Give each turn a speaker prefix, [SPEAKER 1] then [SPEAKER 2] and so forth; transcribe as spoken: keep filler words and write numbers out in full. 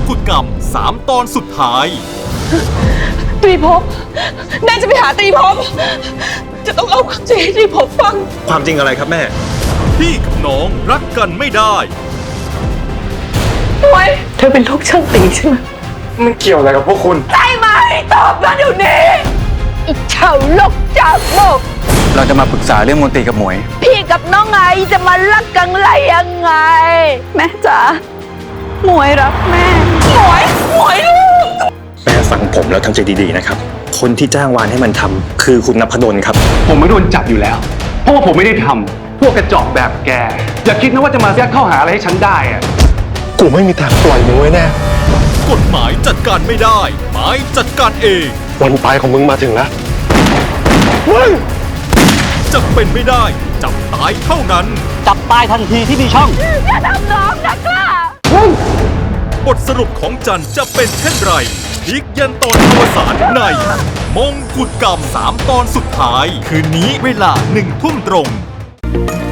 [SPEAKER 1] กุฎกรรมสามตอนสุดท้าย
[SPEAKER 2] ตรีภพแม่จะไปหาตรีภพจะต้องเอาความจริงให้ตรีภพฟัง
[SPEAKER 3] ความจริงอะไรครับแม่
[SPEAKER 1] พี่กับน้องรักกันไม่ได้
[SPEAKER 2] ทำไมเธอเป็นลูกช่างตีใช่ไหม
[SPEAKER 3] มันเกี่ยวอะไรกับพวกคุณ
[SPEAKER 2] ใช่ไหมตอบมาเดี๋ยวนี้อีเฉาลกจากโลก
[SPEAKER 4] เราจะมาปรึกษาเรื่องมนตรีกับหมวย
[SPEAKER 2] พี่กับน้องไงจะมารักกันไรยังไง แม่จ๋าหมวยรักแม่หมวยหมวยลูก
[SPEAKER 3] แม่ฟังผมแล้วทำใจดีๆนะครับ คนที่จ้างวานให้มันทำคือคุณนพดลครับ
[SPEAKER 5] ผมไม่โดนจับอยู่แล้ว เพราะว่าผมไม่ได้ทำพวกกระจอกแบบแก อย่าคิดนะว่าจะมายัดข้อหาอะไรให้ฉันได้อะ
[SPEAKER 3] กูไม่มีทางปล่อยมึงไว้แน่
[SPEAKER 1] กฎหมายจัดการไม่ได้หมายจัดการเอง
[SPEAKER 3] วันตายของมึงมาถึงแล้ว
[SPEAKER 1] จะเป็นไม่ได้จับตายเท่านั้น
[SPEAKER 4] จับตายทันทีที่มีช่อง
[SPEAKER 2] อย่าทำน้องนะคะ
[SPEAKER 1] บทสรุปของจันจะเป็นเช่นไรพลิกยันตอนอวสานในมงกุฎกรรมสามตอนสุดท้าย คืนนี้เวลาหนึ่งทุ่มตรง